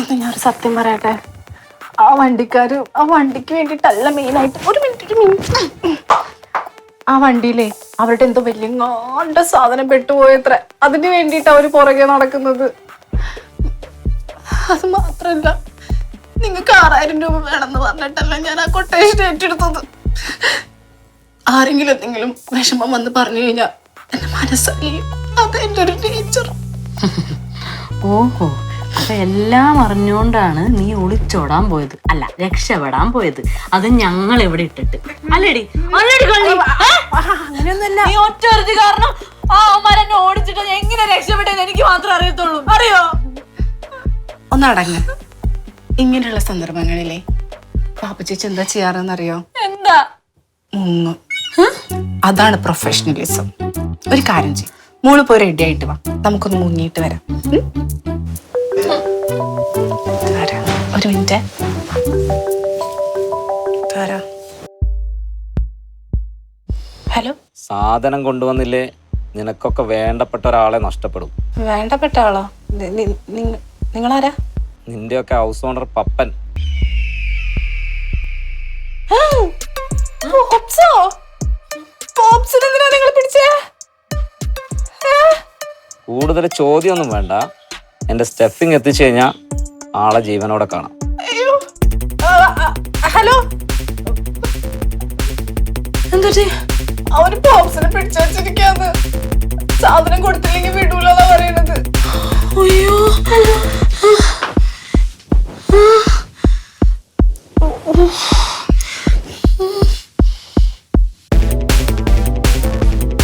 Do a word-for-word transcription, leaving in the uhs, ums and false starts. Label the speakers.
Speaker 1: ഞാനൊരു സത്യം പറയട്ടെ, ആ വണ്ടിക്കാര് ആ വണ്ടിക്ക് വേണ്ടിട്ടല്ല മെയിനായിട്ട്. ഒരു മിനിറ്റ് ഒരു മിനിറ്റ് ആ വണ്ടിയിലേ അവരുടെ എന്തോ വലിയ ngണ്ട സാധനം പെട്ടുപോയത്ര. അതിന് വേണ്ടിട്ട് അവര് പുറകെ നടക്കുന്നത്. അത് മാത്രല്ല, നിങ്ങൾക്ക് ആറായിരം രൂപ വേണമെന്ന് പറഞ്ഞിട്ടല്ല ഞാൻ ആ കൊട്ടേഷൻ ഏറ്റെടുത്തത്. ആരെങ്കിലും എന്തെങ്കിലും വിഷമം വന്ന് പറഞ്ഞു കഴിഞ്ഞാൽ എന്റെ മനസ്സറിയും. അത് എൻ്റെ ഒരു ടീച്ചർ.
Speaker 2: ഓഹോ, അപ്പൊ എല്ലാം അറിഞ്ഞോണ്ടാണ് നീ ഒളിച്ചോടാൻ പോയത്, അല്ല രക്ഷപ്പെടാൻ പോയത്. അത് ഞങ്ങൾ എവിടെ ഇട്ടിട്ട് അല്ലേടി?
Speaker 1: അങ്ങനെയൊന്നല്ല.
Speaker 2: നീ ഒറ്റ കാരണം ആ അമ്മ എന്നെ ഓടിച്ചിട്ട് എങ്ങനെ രക്ഷപ്പെട്ടെന്ന് എനിക്ക് മാത്രമേ അറിയത്തുള്ളൂ. അറിയോ?
Speaker 1: ഒന്നടങ്ങ്. ഇങ്ങനെയുള്ള സന്ദർഭങ്ങളിലെ പാപ്പ ചേച്ചി എന്താ ചെയ്യാറെന്നറിയോ?
Speaker 2: എന്താ?
Speaker 1: മുങ്ങും. അതാണ് പ്രൊഫഷണലിസം. ഒരു കാര്യം ചെയ്യും, മോള് പോയി റെഡി ആയിട്ട് വാ, നമുക്കൊന്ന് മുങ്ങിയിട്ട് വരാം. ഒരു മിനിറ്റ്. ഹലോ.
Speaker 3: സാധനം കൊണ്ടുവന്നില്ലേ നിനക്കൊക്കെ വേണ്ടപ്പെട്ട ഒരാളെ നഷ്ടപ്പെടും.
Speaker 1: വേണ്ടപ്പെട്ട ആളോ? നിങ്ങളാരാ?
Speaker 3: നിന്റെയൊക്കെ ഹൗസ് ഓണർ പപ്പൻ. കൂടുതൽ ചോദ്യമൊന്നും വേണ്ട, എന്റെ സ്റ്റെപ്പിങ് എത്തിച്ചു കഴിഞ്ഞാ ആളെ ജീവനോടെ കാണാം.
Speaker 1: ഹലോ. എന്താ അവര് ബോക്സിനെ പിടിച്ചു വെച്ചിരിക്കാന്ന്. സാധനം കൊടുത്തില്ലെങ്കിൽ